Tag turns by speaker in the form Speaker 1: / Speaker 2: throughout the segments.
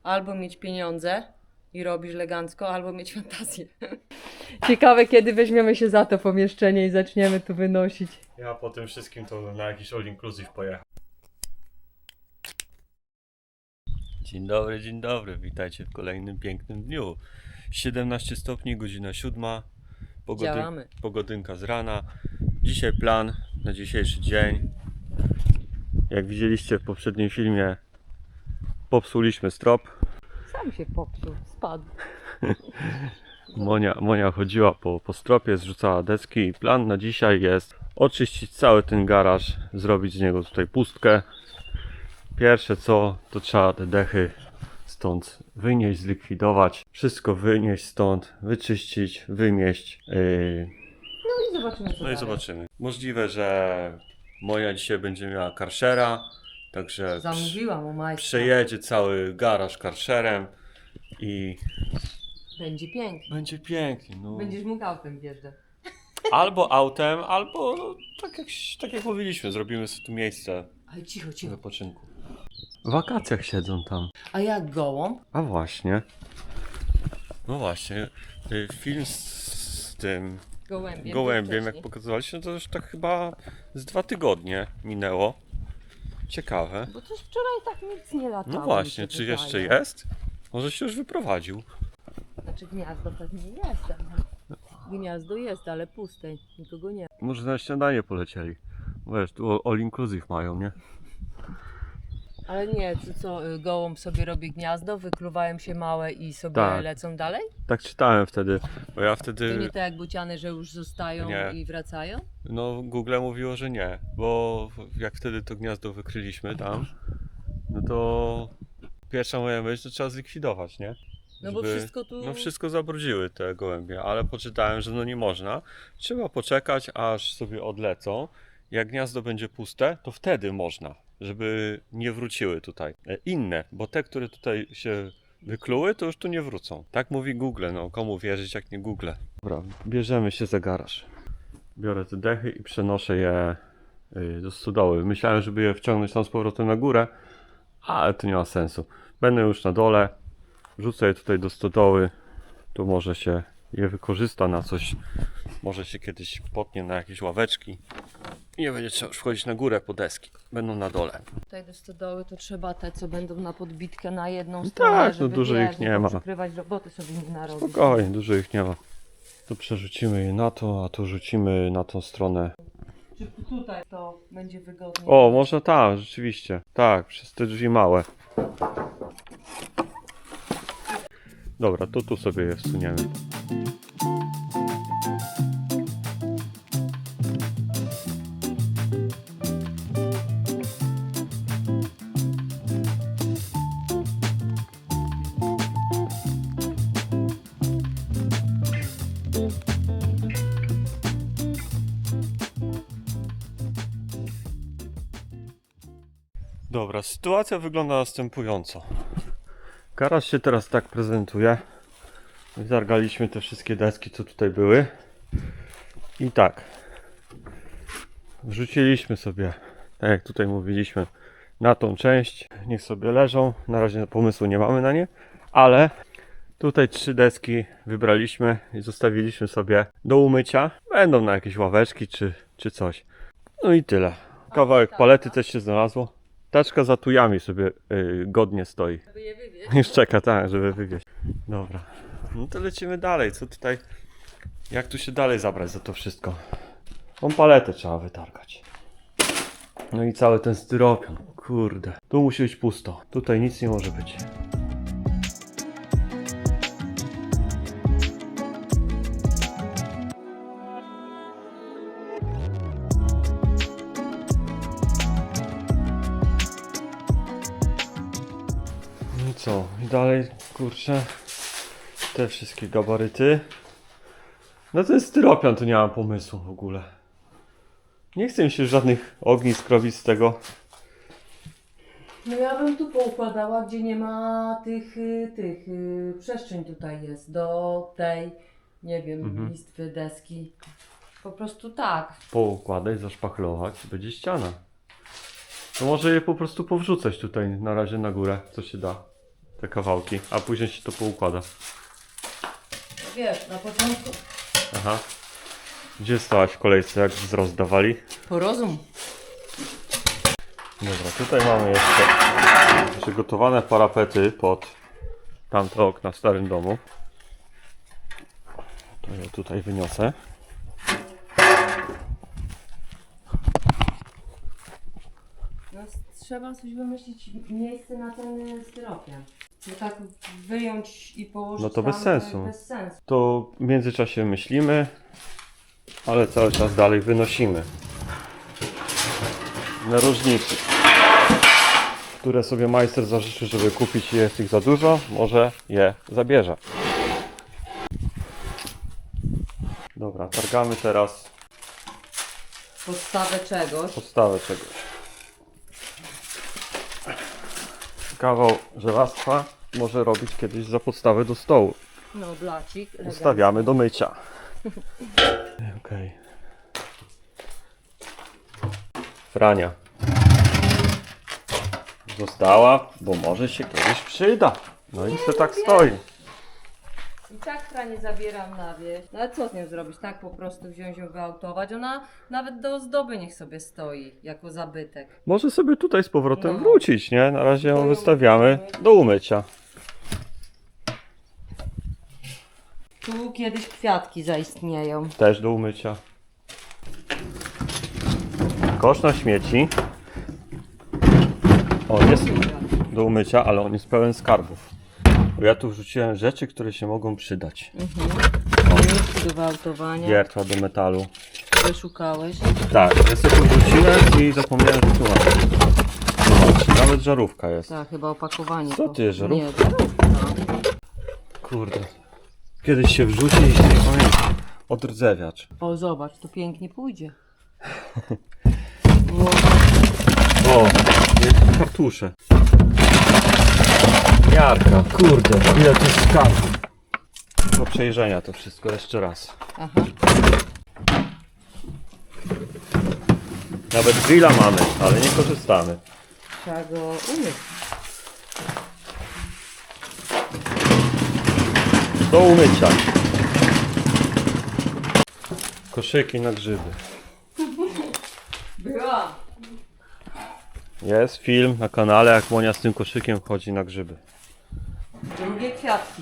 Speaker 1: albo mieć pieniądze i robisz elegancko, albo mieć fantazję. Ciekawe, kiedy weźmiemy się za to pomieszczenie i zaczniemy tu wynosić.
Speaker 2: Ja po tym wszystkim to na jakiś all inclusive pojechał. Dzień dobry, witajcie w kolejnym pięknym dniu. 17 stopni, godzina 7.
Speaker 1: Działamy.
Speaker 2: Pogodynka z rana. Dzisiaj plan na dzisiejszy dzień. Jak widzieliście w poprzednim filmie, popsuliśmy strop.
Speaker 1: Sam się popsuł, spadł.
Speaker 2: Monia chodziła po stropie, zrzucała deski i plan na dzisiaj jest oczyścić cały ten garaż, zrobić z niego tutaj pustkę. Pierwsze co, to trzeba te dechy stąd wynieść, zlikwidować, wszystko wynieść stąd, wyczyścić, wymieść.
Speaker 1: No i zobaczymy, co
Speaker 2: No i
Speaker 1: dalej.
Speaker 2: zobaczymy. Możliwe, że Monia dzisiaj będzie miała karszera, także
Speaker 1: Zamówiłam u majstra.
Speaker 2: przejedzie cały garaż karszerem i
Speaker 1: Będzie pięknie.
Speaker 2: będzie pięknie. No.
Speaker 1: Będziesz mógł autem wjeżdżać.
Speaker 2: Albo autem, albo no, tak jak mówiliśmy, zrobimy sobie tu miejsce
Speaker 1: Ale cicho,
Speaker 2: do
Speaker 1: cicho.
Speaker 2: wypoczynku. W wakacjach siedzą tam.
Speaker 1: A jak gołąb?
Speaker 2: A właśnie. No właśnie. Film z tym gołębiem, jak pokazywaliście, no to już tak chyba z 2 tygodnie minęło. Ciekawe.
Speaker 1: Bo coś wczoraj tak nic nie latało.
Speaker 2: No właśnie, czy jeszcze jest? Może się już wyprowadził.
Speaker 1: Znaczy gniazdo pewnie jest. Gniazdo jest, ale puste. Nikogo nie.
Speaker 2: Może na śniadanie polecieli. Wiesz, tu all inclusive mają, nie?
Speaker 1: Ale nie, to co, gołąb sobie robi gniazdo, wykluwają się małe i sobie
Speaker 2: Tak.
Speaker 1: lecą dalej?
Speaker 2: Tak czytałem wtedy, bo ja
Speaker 1: To
Speaker 2: wtedy...
Speaker 1: nie tak jak bociany, że już zostają
Speaker 2: Nie.
Speaker 1: i wracają?
Speaker 2: No, Google mówiło, że nie, bo jak wtedy to gniazdo wykryliśmy tam, no to pierwsza moja myśl, że trzeba zlikwidować, nie?
Speaker 1: No bo wszystko tu...
Speaker 2: No wszystko zabrudziły te gołębie, ale poczytałem, że no nie można. Trzeba poczekać, aż sobie odlecą. Jak gniazdo będzie puste, to wtedy można, żeby nie wróciły tutaj. Inne, bo te, które tutaj się wykluły, to już tu nie wrócą. Tak mówi Google, no komu wierzyć jak nie Google. Dobra, bierzemy się za garaż. Biorę te dechy i przenoszę je do stodoły. Myślałem, żeby je wciągnąć tam z powrotem na górę, ale to nie ma sensu. Będę już na dole, wrzucę je tutaj do stodoły, tu może się je wykorzysta na coś, może się kiedyś potnie na jakieś ławeczki i nie będzie trzeba już wchodzić na górę po deski, będą na dole.
Speaker 1: Tutaj do stodoły to trzeba te, co będą na podbitkę na jedną stronę,
Speaker 2: tak, no
Speaker 1: żeby
Speaker 2: dużo ich nie ma.
Speaker 1: przykrywać roboty sobie nie narobić.
Speaker 2: Spokojnie, dużo ich nie ma. Tu przerzucimy je na to, a tu rzucimy na tą stronę.
Speaker 1: Czy tutaj to będzie wygodnie?
Speaker 2: O, można tam, rzeczywiście. Tak, przez te drzwi małe. Dobra, to tu sobie je wsuniemy. Dobra, sytuacja wygląda następująco. Garaż się teraz tak prezentuje. Zargaliśmy te wszystkie deski, co tutaj były. I tak. Wrzuciliśmy sobie, tak jak tutaj mówiliśmy, na tą część. Niech sobie leżą. Na razie pomysłu nie mamy na nie. Ale tutaj 3 deski wybraliśmy i zostawiliśmy sobie do umycia. Będą na jakieś ławeczki czy coś. No i tyle. Kawałek palety też się znalazło. Taczka za tujami sobie godnie stoi.
Speaker 1: Żeby je wywieźć.
Speaker 2: Już czeka, tak, żeby wywieźć. Dobra. No to lecimy dalej. Co tutaj? Jak tu się dalej zabrać za to wszystko? Tą paletę trzeba wytargać. No i cały ten styropian. Kurde. Tu musi być pusto. Tutaj nic nie może być. No i co? I dalej, kurczę, te wszystkie gabaryty. No to jest styropian, to nie mam pomysłu w ogóle. Nie chcę mi się żadnych ognisk robić z tego.
Speaker 1: No ja bym tu poukładała, gdzie nie ma tych przestrzeń tutaj jest, do tej, nie wiem, listwy, deski. Po prostu tak.
Speaker 2: Poukładać, zaszpachlować, będzie ściana. To może je po prostu powrzucać tutaj na razie na górę, co się da. te kawałki, a później się to poukłada.
Speaker 1: Wiesz, na początku
Speaker 2: Aha. Gdzie stałaś w kolejce, jak rozdawali?
Speaker 1: porozum.
Speaker 2: Dobra, tutaj mamy jeszcze przygotowane parapety pod tamte okna w starym domu. To je tutaj wyniosę.
Speaker 1: No, trzeba coś wymyślić, miejsce na ten styropian. No tak wyjąć i położyć
Speaker 2: No to
Speaker 1: tam,
Speaker 2: bez sensu.
Speaker 1: bez sensu.
Speaker 2: To w międzyczasie myślimy, ale cały czas dalej wynosimy. Narożniki, które sobie majster zażyczy, żeby kupić, jest ich za dużo, może je zabierze. Dobra, targamy teraz
Speaker 1: Podstawę czegoś.
Speaker 2: podstawę czegoś. Kawał żelastwa może robić kiedyś za podstawę do stołu.
Speaker 1: No, blacik.
Speaker 2: Ustawiamy do mycia. Okej. Frania została, bo może się kiedyś przyda. No i se tak stoi.
Speaker 1: I tak nie zabieram na wieś. No ale co z nią zrobić? Tak po prostu wziąć ją, wyautować. Ona nawet do ozdoby niech sobie stoi, jako zabytek.
Speaker 2: Może sobie tutaj z powrotem
Speaker 1: No.
Speaker 2: wrócić, nie? Na razie ją
Speaker 1: To ją
Speaker 2: wystawiamy
Speaker 1: wrócimy.
Speaker 2: do umycia.
Speaker 1: Tu kiedyś kwiatki zaistnieją.
Speaker 2: Też do umycia. Kosz na śmieci. On jest do umycia, ale on jest pełen skarbów. Bo ja tu wrzuciłem rzeczy, które się mogą przydać.
Speaker 1: Do wyautowania.
Speaker 2: Wiertła do metalu.
Speaker 1: Wyszukałeś.
Speaker 2: Tak, ja sobie tu wrzuciłem i zapomniałem, że tu mam. Zobacz, nawet żarówka jest.
Speaker 1: Tak, chyba opakowanie.
Speaker 2: Co
Speaker 1: to.
Speaker 2: ty, żarówka?
Speaker 1: Nie, żarówka.
Speaker 2: Kurde. Kiedyś się wrzuci i się nie pamięta. Odrdzewiacz.
Speaker 1: O, zobacz, to pięknie pójdzie.
Speaker 2: O, jest kartusze. Jarka, kurde, ile to jest skarbów. Do przejrzenia to wszystko jeszcze raz.
Speaker 1: Aha.
Speaker 2: Nawet grilla mamy, ale nie korzystamy.
Speaker 1: Trzeba go umyć.
Speaker 2: Do umycia. Koszyki na grzyby.
Speaker 1: Była.
Speaker 2: Jest film na kanale, jak Monia z tym koszykiem chodzi na grzyby.
Speaker 1: Drugie kwiatki.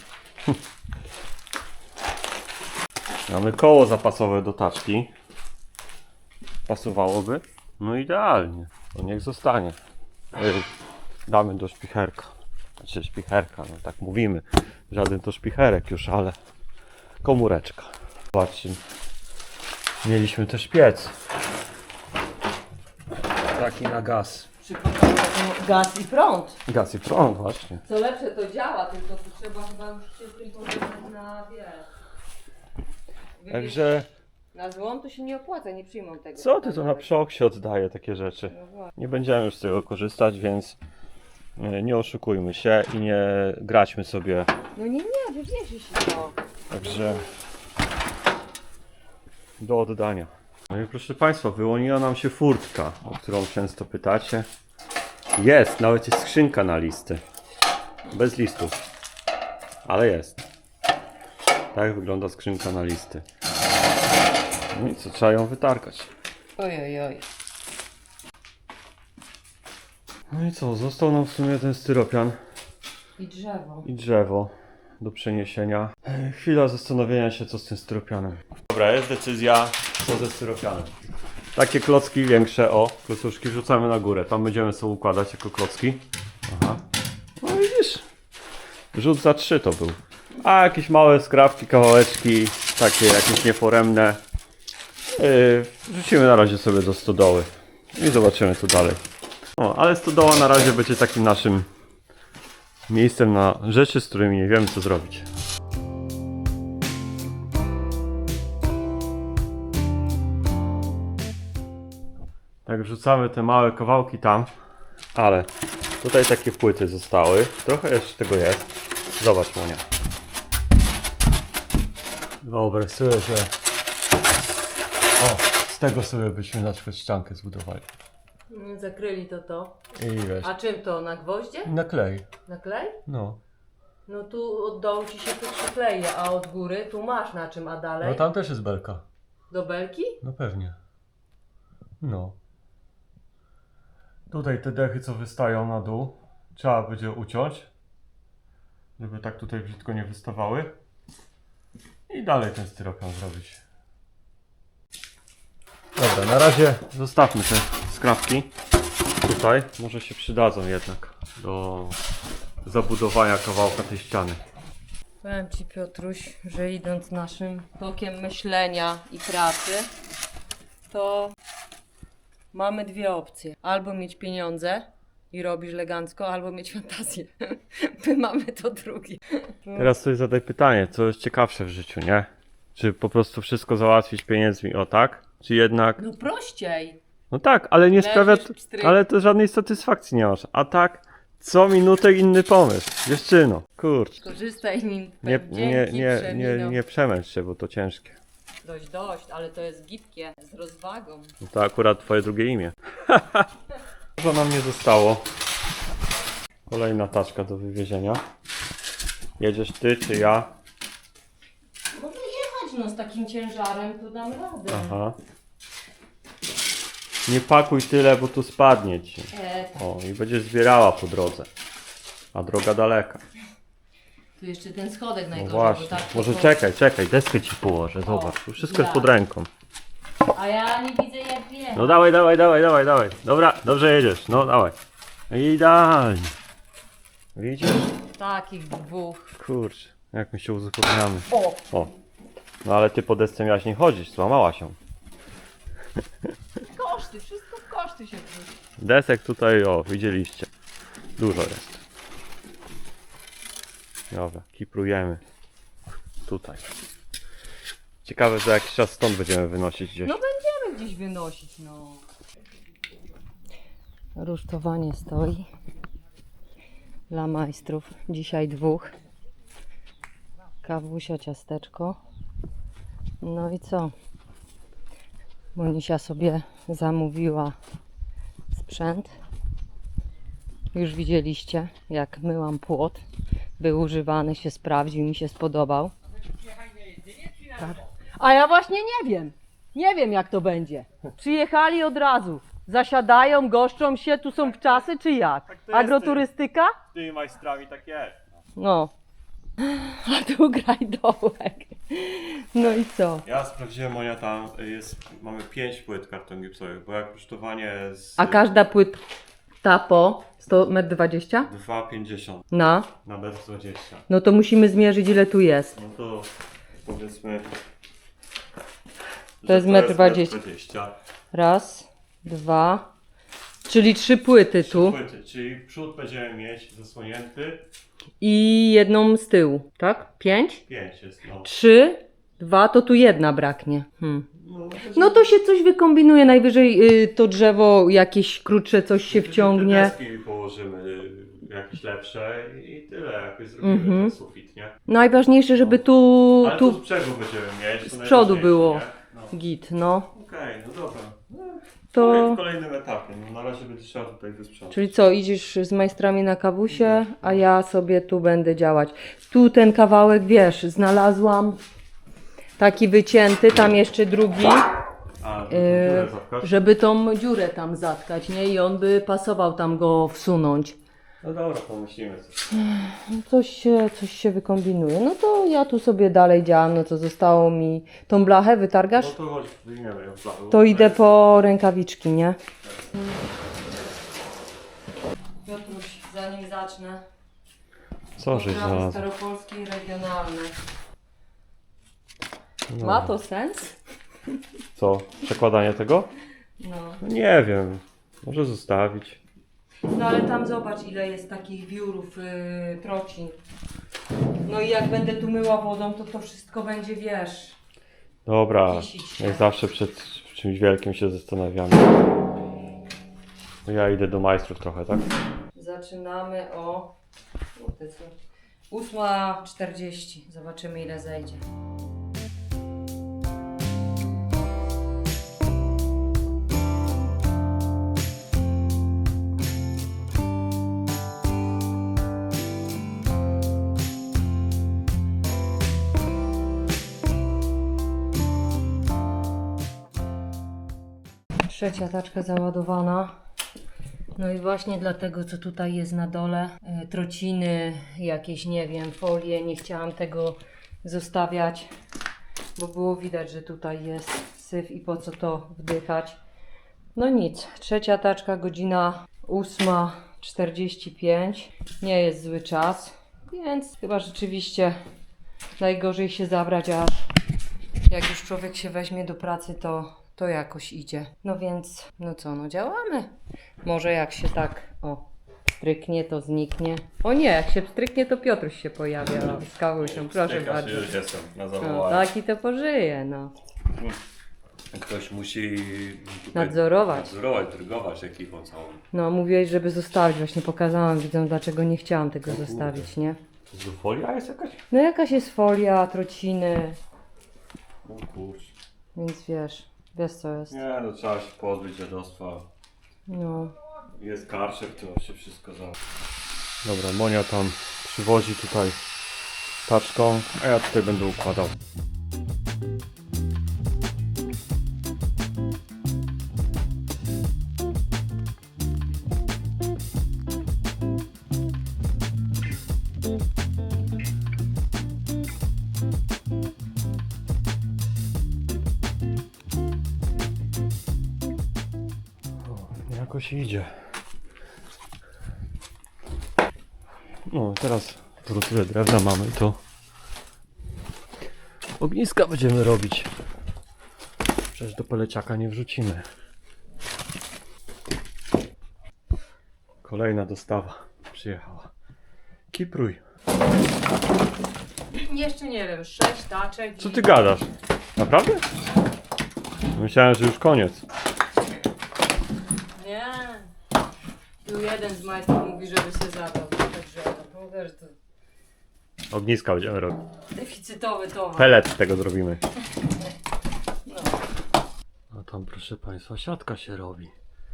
Speaker 2: Mamy koło zapasowe do taczki. Pasowałoby? No idealnie. To niech zostanie. Damy do szpicherka. Znaczy szpicherka, no tak mówimy. Żaden to szpicherek już, ale komóreczka. Zobaczcie. Mieliśmy też piec. Taki na gaz.
Speaker 1: Gaz i prąd.
Speaker 2: Gaz i prąd właśnie.
Speaker 1: Co lepsze to działa, tylko tu trzeba chyba już się tym pożegnać na
Speaker 2: Także
Speaker 1: na złom to się nie opłaca, nie przyjmą tego.
Speaker 2: co ty to na przok się oddaje takie rzeczy?
Speaker 1: No właśnie.
Speaker 2: Nie będziemy już z tego korzystać, więc nie oszukujmy się i nie graćmy sobie.
Speaker 1: No nie, wywiezie się to.
Speaker 2: Także do oddania. No i proszę Państwa, wyłoniła nam się furtka, o którą często pytacie. Jest, nawet jest skrzynka na listy. Bez listów. Ale jest. Tak wygląda skrzynka na listy. No i co, trzeba ją wytarkać.
Speaker 1: Oj.
Speaker 2: No i co, został nam w sumie ten styropian
Speaker 1: I drzewo.
Speaker 2: i drzewo do przeniesienia. Chwila zastanowienia się, co z tym styropianem. Dobra, jest decyzja, co ze styropianem. Takie klocki większe, o, klocuszki wrzucamy na górę. Tam będziemy sobie układać jako klocki. Aha. No widzisz, rzut za 3 to był. A jakieś małe skrawki, kawałeczki, takie jakieś nieforemne, wrzucimy na razie sobie do stodoły i zobaczymy co dalej. O, ale stodoła na razie będzie takim naszym miejscem na rzeczy, z którymi nie wiemy co zrobić. Tak, wrzucamy te małe kawałki tam, ale tutaj takie płyty zostały. Trochę jeszcze tego jest. Zobacz, Monia. Wyobraź sobie, że z tego sobie byśmy na przykład ściankę zbudowali.
Speaker 1: Zakryli to.
Speaker 2: I weź.
Speaker 1: A czym to? Na gwoździe?
Speaker 2: Na klej.
Speaker 1: Na klej?
Speaker 2: No.
Speaker 1: No tu od dołu ci się tu przykleje, a od góry tu masz na czym, a dalej?
Speaker 2: No tam też jest belka.
Speaker 1: Do belki?
Speaker 2: No pewnie. No. Tutaj te dechy, co wystają na dół, trzeba będzie uciąć, żeby tak tutaj brzydko nie wystawały. I dalej ten styropian zrobić. Dobra, na razie zostawmy te skrawki tutaj. Może się przydadzą jednak do zabudowania kawałka tej ściany.
Speaker 1: Powiem Ci, Piotruś, że idąc naszym tokiem myślenia i pracy, to mamy dwie opcje. Albo mieć pieniądze i robisz elegancko, albo mieć fantazję. My mamy to drugie.
Speaker 2: Teraz sobie zadaj pytanie, co jest ciekawsze w życiu, nie? Czy po prostu wszystko załatwić pieniędzmi, o tak? Czy jednak...
Speaker 1: No prościej.
Speaker 2: No tak, ale nie
Speaker 1: Leżysz,
Speaker 2: sprawia...
Speaker 1: pstryk.
Speaker 2: Ale to żadnej satysfakcji nie masz. A tak, co minutę inny pomysł. Dziewczyno, kurczę.
Speaker 1: Korzystaj nim.
Speaker 2: Nie,
Speaker 1: Dzięki,
Speaker 2: nie przemęcz się, bo to ciężkie.
Speaker 1: Dość, ale to jest gibkie, z rozwagą.
Speaker 2: No to akurat twoje drugie imię. Co nam nie zostało? Kolejna taczka do wywiezienia. Jedziesz ty czy ja?
Speaker 1: Mogę jechać no z takim ciężarem, to dam radę.
Speaker 2: Aha. Nie pakuj tyle, bo tu spadnie ci.
Speaker 1: Tak.
Speaker 2: O, i będziesz zbierała po drodze. A droga daleka.
Speaker 1: Tu jeszcze ten schodek
Speaker 2: No
Speaker 1: najgorzej,
Speaker 2: właśnie.
Speaker 1: bo tak
Speaker 2: Może
Speaker 1: to-
Speaker 2: czekaj, deskę ci położę. Zobacz, tu wszystko jest
Speaker 1: tak.
Speaker 2: pod ręką.
Speaker 1: A ja nie widzę jak wiem.
Speaker 2: No dawaj. Dobra, dobrze jedziesz. No dawaj. Idealnie. Widzisz?
Speaker 1: Takich dwóch.
Speaker 2: Kurczę, jak my się uzupełniamy.
Speaker 1: O!
Speaker 2: O. No ale ty po desce miałaś nie chodzić, złamała się.
Speaker 1: Koszty, wszystko w koszty się wrzuci.
Speaker 2: Desek tutaj, o, widzieliście. Dużo jest. Dobra, kiprujemy. Tutaj. Ciekawe, że jakiś czas stąd będziemy wynosić gdzieś.
Speaker 1: No będziemy gdzieś wynosić, no. Rusztowanie stoi. Dla majstrów. Dzisiaj dwóch. Kawusia, ciasteczko. No i co? Monisia sobie zamówiła sprzęt. Już widzieliście, jak myłam płot. Był używany, się sprawdził, mi się spodobał. Tak. A ja właśnie nie wiem. Nie wiem jak to będzie. Przyjechali od razu. Zasiadają, goszczą się, tu są wczasy czy jak?
Speaker 2: Tak to jest,
Speaker 1: Agroturystyka?
Speaker 2: Z tymi majstrami tak jest.
Speaker 1: No. A tu graj dołek. No i co?
Speaker 2: Ja sprawdziłem, Monia, tam jest, mamy 5 płyt karton gipsowych, bo jak rusztowanie z
Speaker 1: A każda płyta po 100,20 m?
Speaker 2: 2,50
Speaker 1: Na?
Speaker 2: na 1,20 m.
Speaker 1: No to musimy zmierzyć ile tu jest.
Speaker 2: No to powiedzmy,
Speaker 1: To jest
Speaker 2: że
Speaker 1: 1,20 m.
Speaker 2: 1,20 m.
Speaker 1: Raz, dwa, czyli 3 płyty tu
Speaker 2: Płyty, czyli przód będziemy mieć zasłonięty,
Speaker 1: i jedną z tyłu, tak? 5?
Speaker 2: 5 jest, no.
Speaker 1: 3, 2, to tu jedna braknie.
Speaker 2: No,
Speaker 1: No to się coś wykombinuje, najwyżej to drzewo jakieś krótsze, coś się wciągnie.
Speaker 2: Deski położymy jakieś lepsze i tyle, jakoś zrobimy ten sufit, nie?
Speaker 1: Najważniejsze, żeby tu,
Speaker 2: Ale tu
Speaker 1: tu
Speaker 2: z brzegu będziemy mieć.
Speaker 1: z przodu było
Speaker 2: Nie? No.
Speaker 1: git, no.
Speaker 2: Okej, no dobra.
Speaker 1: To,
Speaker 2: W kolejnym etapie, no na razie będzie trzeba tutaj wysprzątać.
Speaker 1: czyli co, idziesz z majstrami na kawusie, a ja sobie tu będę działać. Tu ten kawałek, wiesz, znalazłam taki wycięty, tam jeszcze drugi,
Speaker 2: A, dziurę zapkasz?
Speaker 1: żeby tą dziurę tam zatkać, nie? I on by pasował tam go wsunąć.
Speaker 2: No dobra, pomyślimy coś.
Speaker 1: Coś się wykombinuje. No to ja tu sobie dalej działam, no to zostało mi tą blachę,
Speaker 2: No
Speaker 1: wytargasz?
Speaker 2: to chodź, wyjmiemy ją w blachę.
Speaker 1: To idę po rękawiczki, nie? Piotruś, zanim zacznę,
Speaker 2: Co żeś znalazł?
Speaker 1: staropolskie i regionalne.
Speaker 2: No.
Speaker 1: Ma to sens?
Speaker 2: Co? Przekładanie tego?
Speaker 1: No.
Speaker 2: No nie wiem. Może zostawić.
Speaker 1: No ale tam zobacz ile jest takich wiórów, trocin. No i jak będę tu myła wodą, to wszystko będzie, wiesz...
Speaker 2: Dobra,
Speaker 1: Kisić się.
Speaker 2: jak zawsze przed czymś wielkim się zastanawiamy. To ja idę do majstrów trochę, tak?
Speaker 1: Zaczynamy o... 8:40. Zobaczymy ile zejdzie. Trzecia taczka załadowana. No i właśnie dlatego, co tutaj jest na dole, trociny, jakieś, nie wiem, folie, nie chciałam tego zostawiać, bo było widać, że tutaj jest syf i po co to wdychać. No nic, trzecia taczka, godzina 8:45, nie jest zły czas, więc chyba rzeczywiście najgorzej się zabrać, a jak już człowiek się weźmie do pracy, to jakoś idzie. No więc, no co, no działamy. Może jak się tak, stryknie, to zniknie. O nie, jak się stryknie, to Piotruś się pojawia z kawusią, proszę bardzo.
Speaker 2: Już jestem na
Speaker 1: No,
Speaker 2: zawołanie.
Speaker 1: taki to pożyje, no.
Speaker 2: Ktoś musi
Speaker 1: Nadzorować.
Speaker 2: drygować ekipą całą.
Speaker 1: No, mówiłeś, żeby zostawić. Właśnie pokazałam widzom, dlaczego nie chciałam tego zostawić, nie?
Speaker 2: To z folia jest jakaś?
Speaker 1: No jakaś jest folia, trociny,
Speaker 2: O kurczę.
Speaker 1: więc wiesz co jest.
Speaker 2: Nie, no trzeba się pozbyć dziadostwa.
Speaker 1: No.
Speaker 2: Jest karczek, to się wszystko za... Dobra, Monia tam przywozi tutaj taczką, a ja tutaj będę układał. O, jakoś idzie. No teraz po tyle drewna mamy, to ogniska będziemy robić. Przecież do peleciaka nie wrzucimy. Kolejna dostawa przyjechała. Kipruj.
Speaker 1: Jeszcze nie wiem, 6 taczek.
Speaker 2: Co ty gadasz? Naprawdę? Myślałem, że już koniec.
Speaker 1: Nie. Tu jeden z majstrów mówi, żeby się zadał. Także mówię, że to
Speaker 2: Ogniska będziemy robić.
Speaker 1: deficytowy towar.
Speaker 2: Pelet z tego zrobimy.
Speaker 1: No.
Speaker 2: A tam, proszę Państwa, siatka się robi.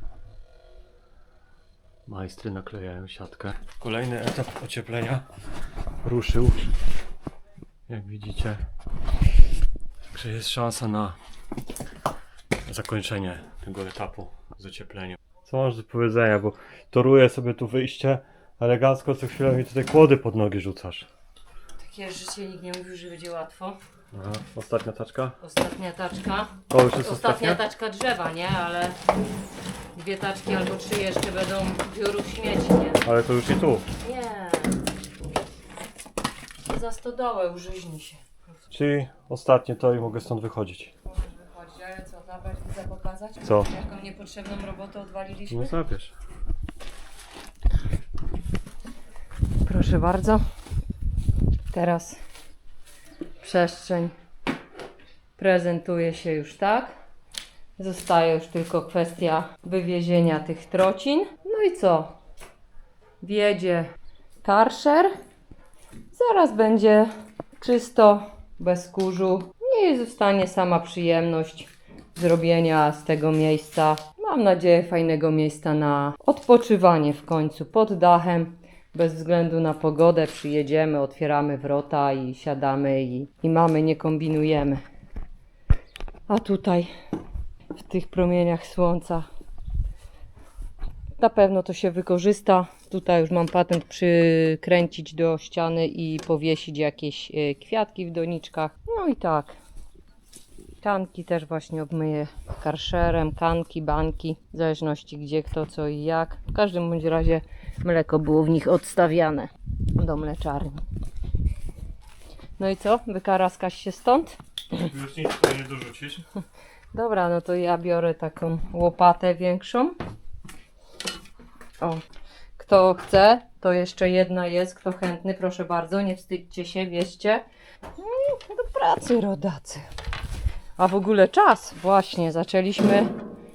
Speaker 2: Majstry naklejają siatkę. Kolejny etap ocieplenia ruszył. Jak widzicie, że jest szansa na zakończenie tego etapu z ociepleniem. Co masz do powiedzenia, bo toruję sobie tu wyjście elegancko, co chwilę mi tutaj kłody pod nogi rzucasz.
Speaker 1: Takie życie, nikt nie mówił, że będzie łatwo.
Speaker 2: Aha, ostatnia taczka.
Speaker 1: Ostatnia taczka.
Speaker 2: To już jest
Speaker 1: Ostatnia
Speaker 2: ostatnia?
Speaker 1: taczka drzewa, nie? Ale 2 taczki albo 3 jeszcze będą biurów śmieci, nie?
Speaker 2: Ale to już i tu.
Speaker 1: Nie. Za stodołę użyźni się.
Speaker 2: Czyli ostatnie to i mogę stąd wychodzić.
Speaker 1: Możesz wychodzić, ale co, zabrać i pokazać?
Speaker 2: Co?
Speaker 1: Jaką niepotrzebną robotę odwaliliśmy?
Speaker 2: No zabierz.
Speaker 1: Proszę bardzo. Teraz przestrzeń prezentuje się już tak. Zostaje już tylko kwestia wywiezienia tych trocin. No i co? Wjedzie karszer. Zaraz będzie czysto, bez kurzu. I zostanie sama przyjemność zrobienia z tego miejsca, mam nadzieję, fajnego miejsca na odpoczywanie w końcu pod dachem. Bez względu na pogodę przyjedziemy, otwieramy wrota i siadamy i mamy, nie kombinujemy. A tutaj w tych promieniach słońca na pewno to się wykorzysta. Tutaj już mam patent przykręcić do ściany i powiesić jakieś kwiatki w doniczkach. No i tak. Kanki też właśnie obmyję karszerem, kanki, banki, w zależności gdzie, kto, co i jak. W każdym bądź razie mleko było w nich odstawiane do mleczarni. No i co? Wykaraskasz się stąd?
Speaker 2: Już nic tutaj nie dorzucisz?
Speaker 1: Dobra, no to ja biorę taką łopatę większą. O, kto chce, to jeszcze jedna jest. Kto chętny, proszę bardzo, nie wstydźcie się, wierzcie. Do pracy, rodacy. A w ogóle czas, właśnie, zaczęliśmy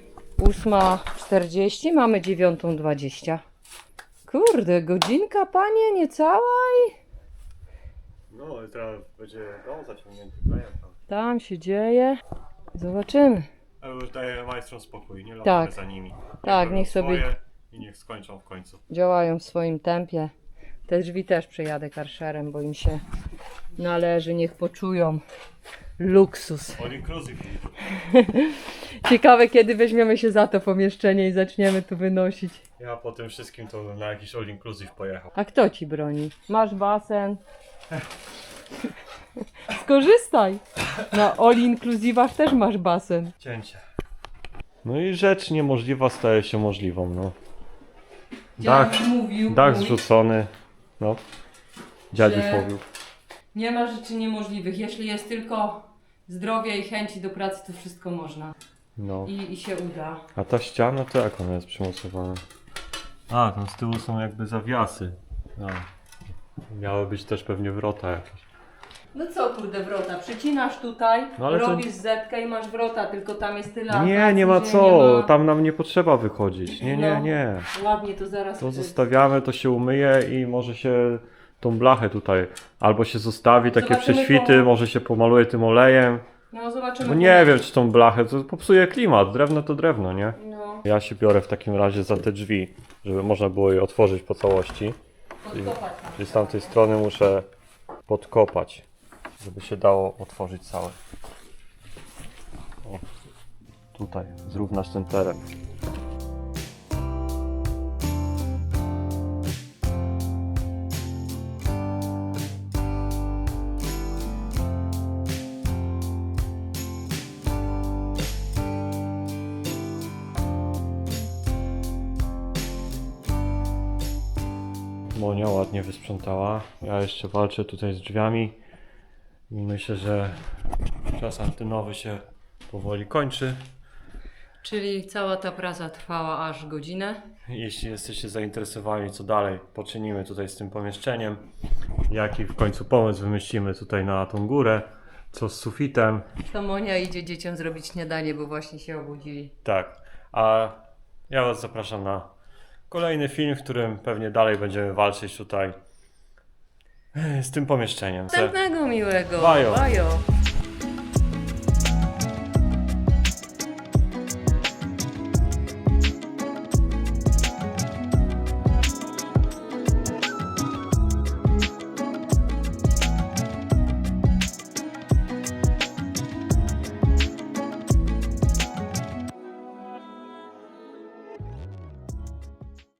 Speaker 1: 8:40, mamy 9:20. Kurde, godzinka, panie, niecała i
Speaker 2: No i teraz będzie dom zaciągnięty klejem tam.
Speaker 1: tam się dzieje. Zobaczymy.
Speaker 2: Ale już daję majstrom spokój, nie latamy
Speaker 1: Tak.
Speaker 2: za nimi.
Speaker 1: Tak,
Speaker 2: robią
Speaker 1: niech sobie-
Speaker 2: swoje i niech skończą w końcu.
Speaker 1: Działają w swoim tempie. Te drzwi też przejadę karszerem, bo im się należy, niech poczują luksus.
Speaker 2: All inclusive.
Speaker 1: Ciekawe, kiedy weźmiemy się za to pomieszczenie i zaczniemy tu wynosić.
Speaker 2: Ja po tym wszystkim to bym na jakiś all inclusive pojechał.
Speaker 1: A kto ci broni? Masz basen. Skorzystaj. Na all inclusivach też masz basen.
Speaker 2: Cięcie. No i rzecz niemożliwa staje się możliwą, no.
Speaker 1: Dziadek mówił,
Speaker 2: Dach
Speaker 1: mój,
Speaker 2: zrzucony. No. Dziadziuś
Speaker 1: że-
Speaker 2: mówił.
Speaker 1: nie ma rzeczy niemożliwych. Jeśli jest tylko zdrowie i chęci do pracy, to wszystko można.
Speaker 2: No.
Speaker 1: I się uda.
Speaker 2: A ta ściana to jak ona jest przymocowana? A, tam z tyłu są jakby zawiasy. No. Miały być też pewnie wrota jakieś.
Speaker 1: No co kurde wrota, przycinasz tutaj,
Speaker 2: No ale to-
Speaker 1: robisz zetkę i masz wrota, tylko tam jest tyle
Speaker 2: Nie,
Speaker 1: akacji,
Speaker 2: nie ma
Speaker 1: że
Speaker 2: co.
Speaker 1: nie ma-
Speaker 2: Tam nam nie potrzeba wychodzić. Nie, nie,
Speaker 1: No.
Speaker 2: nie.
Speaker 1: Ładnie to zaraz...
Speaker 2: To zostawiamy, to się umyje i może się tą blachę tutaj albo się zostawi, takie
Speaker 1: Zobaczymy
Speaker 2: prześwity,
Speaker 1: po-
Speaker 2: może się pomaluje tym olejem.
Speaker 1: No zobaczymy.
Speaker 2: Bo
Speaker 1: po
Speaker 2: nie wiem,
Speaker 1: mieście.
Speaker 2: czy tą blachę, to popsuje klimat. Drewno to drewno, nie?
Speaker 1: No,
Speaker 2: Ja się biorę w takim razie za te drzwi, żeby można było je otworzyć po całości.
Speaker 1: podkopać.
Speaker 2: Czyli z tamtej strony muszę podkopać, żeby się dało otworzyć całe. O, tutaj, zrównasz ten teren. Monia ładnie wysprzątała. Ja jeszcze walczę tutaj z drzwiami i myślę, że czas antynowy się powoli kończy.
Speaker 1: Czyli cała ta praca trwała aż godzinę.
Speaker 2: Jeśli jesteście zainteresowani, co dalej poczynimy tutaj z tym pomieszczeniem, jaki w końcu pomysł wymyślimy tutaj na tą górę, co z sufitem,
Speaker 1: To Monia idzie dzieciom zrobić śniadanie, bo właśnie się obudzili.
Speaker 2: tak. A ja Was zapraszam na kolejny film, w którym pewnie dalej będziemy walczyć tutaj z tym pomieszczeniem.
Speaker 1: Następnego miłego.
Speaker 2: Bajo.
Speaker 1: Bajo.